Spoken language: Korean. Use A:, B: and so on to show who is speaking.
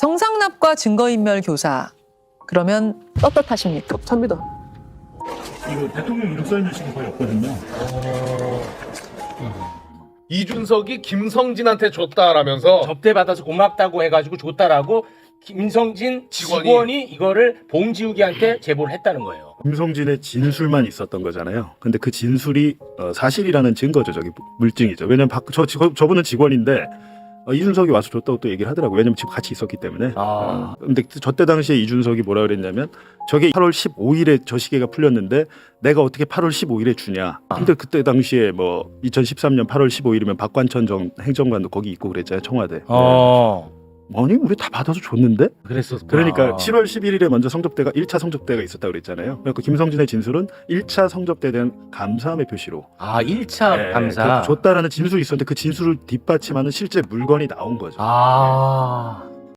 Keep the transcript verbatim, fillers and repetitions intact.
A: 성상납과 증거인멸 교사. 그러면 떳떳하십니까?
B: 접니다.
C: 이거 대통령 이름 써있는 식은 거의 없거든요.
D: 이준석이 김성진한테 줬다라면서
E: 접대받아서 고맙다고 해가지고 줬다라고 김성진
D: 직원이.
E: 직원이, 이거를 봉지욱이한테 제보를 했다는 거예요.
C: 김성진의 진술만 있었던 거잖아요. 근데 그 진술이 어, 사실이라는 증거죠. 저기 물증이죠. 왜냐면 박, 저, 저, 저분은 직원인데 어, 이준석이 와서 줬다고 또 얘기를 하더라고요. 왜냐면 지금 같이 있었기 때문에.
E: 아.
C: 어, 근데 저 때 당시에 이준석이 뭐라 그랬냐면 저게 팔월 십오일에 저 시계가 풀렸는데 내가 어떻게 팔월 십오일에 주냐. 근데 그때 당시에 뭐 이천십삼년 팔월 십오일이면 박관천 정, 행정관도 거기 있고 그랬잖아요. 청와대.
E: 어.
C: 아니 우리 다 받아서 줬는데?
E: 그랬었구나.
C: 그러니까 칠월 십일일에 먼저 성접대가 일 차 성접대가 있었다고 그랬잖아요. 그래서 김성진의 진술은 일 차 성접대에 대한 감사함의 표시로
E: 아, 일 차
C: 네,
E: 감사.
C: 그 줬다라는 진술이 있었는데 그 진술을 뒷받침하는 실제 물건이 나온 거죠.
E: 아.